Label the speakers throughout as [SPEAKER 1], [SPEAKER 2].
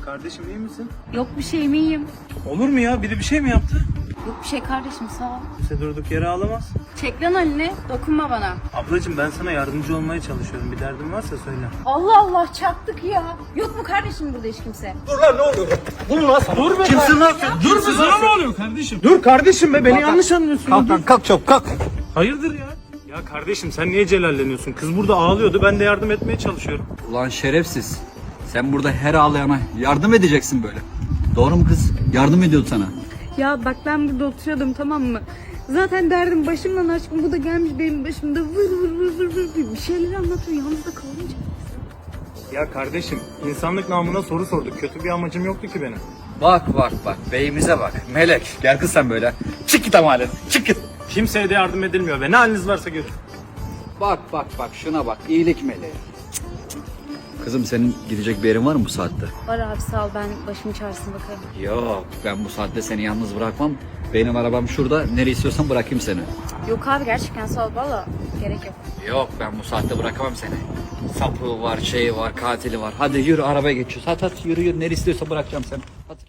[SPEAKER 1] Kardeşim iyi misin?
[SPEAKER 2] Yok bir şeyim, iyiyim.
[SPEAKER 1] Olur mu ya? Biri bir şey mi yaptı?
[SPEAKER 2] Yok bir şey kardeşim, sağ ol.
[SPEAKER 1] Kimse durduk yere ağlamaz.
[SPEAKER 2] Çek lan elini, dokunma bana.
[SPEAKER 1] Ablacığım ben sana yardımcı olmaya çalışıyorum. Bir derdin varsa söyle.
[SPEAKER 2] Allah Allah, çarptık ya. Yok mu kardeşim burada hiç kimse?
[SPEAKER 1] Dur lan ne oluyor? Dur lan sana. Dur be. Kimsin lan sen? Dur be, sana ne oluyor kardeşim? Dur kardeşim be, beni yanlış anlıyorsun.
[SPEAKER 3] Kalk lan, kalk çabuk kalk.
[SPEAKER 1] Hayırdır ya? Ya kardeşim sen niye celalleniyorsun? Kız burada ağlıyordu, ben de yardım etmeye çalışıyorum.
[SPEAKER 3] Ulan şerefsiz. Sen burada her ağlayana yardım edeceksin böyle. Doğru mu kız? Yardım ediyordu sana.
[SPEAKER 2] Ya bak ben burada oturuyordum, tamam mı? Zaten derdim başımdan aşkım, bu da gelmiş benim başımda vır bir şeyler anlatıyor, yalnız da kalınca.
[SPEAKER 1] Ya kardeşim insanlık namına soru sorduk. Kötü bir amacım yoktu ki benim.
[SPEAKER 3] Bak bak bak beyimize bak. Melek gel kız sen böyle. Çık git ama halen. Çık git.
[SPEAKER 1] Kimseye de yardım edilmiyor ve ne haliniz varsa görün.
[SPEAKER 3] Bak bak bak şuna bak. İyilik meleği. Kızım senin gidecek bir yerin var mı bu saatte?
[SPEAKER 2] Var abi, sağ ol, ben başımın çaresine bakarım.
[SPEAKER 3] Yok ben bu saatte seni yalnız bırakmam. Benim arabam şurada. Nereye istiyorsan bırakayım seni.
[SPEAKER 2] Yok abi, gerçekten sağ ol, valla gerek yok.
[SPEAKER 3] Yok ben bu saatte bırakamam seni. Sapığı var, şeyi var, katili var. Hadi yürü arabaya geçiyoruz. Hadi yürü yürü. Nereye istiyorsan bırakacağım seni. Hadi.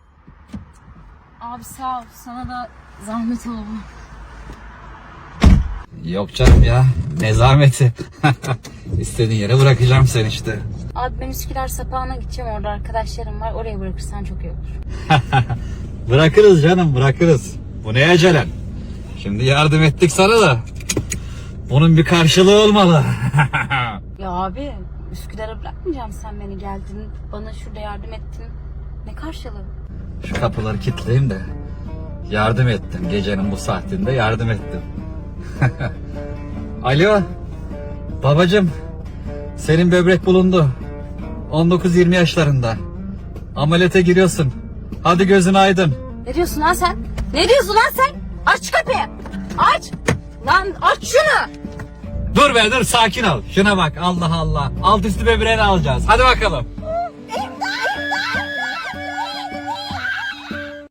[SPEAKER 2] Abi sağ ol, sana da zahmet oldu.
[SPEAKER 3] Yok canım ya. Ne zahmeti. İstediğin yere bırakacağım seni işte.
[SPEAKER 2] Abi ben Üsküdar Sapağı'na gideceğim, orada arkadaşlarım var, oraya bırakırsan çok iyi olur.
[SPEAKER 3] Bırakırız canım bırakırız. Bu ne acelen? Şimdi yardım ettik sana da. Bunun bir karşılığı olmalı.
[SPEAKER 2] Ya abi, Üsküdar'a bırakmayacağım, sen beni geldin, bana şurada yardım ettin. Ne karşılığı?
[SPEAKER 3] Şu kapıları kilitleyeyim de. Yardım ettim. Gecenin bu saatinde yardım ettim. Alo. Babacım. Senin böbrek bulundu. 19-20 yaşlarında. Ameliyata giriyorsun. Hadi gözün aydın.
[SPEAKER 2] Ne diyorsun lan sen? Ne diyorsun lan sen? Aç şu kapıyı. Aç. Lan aç şunu.
[SPEAKER 3] Dur be dur sakin ol. Şuna bak Allah Allah. Alt üstü böbreğini alacağız. Hadi bakalım.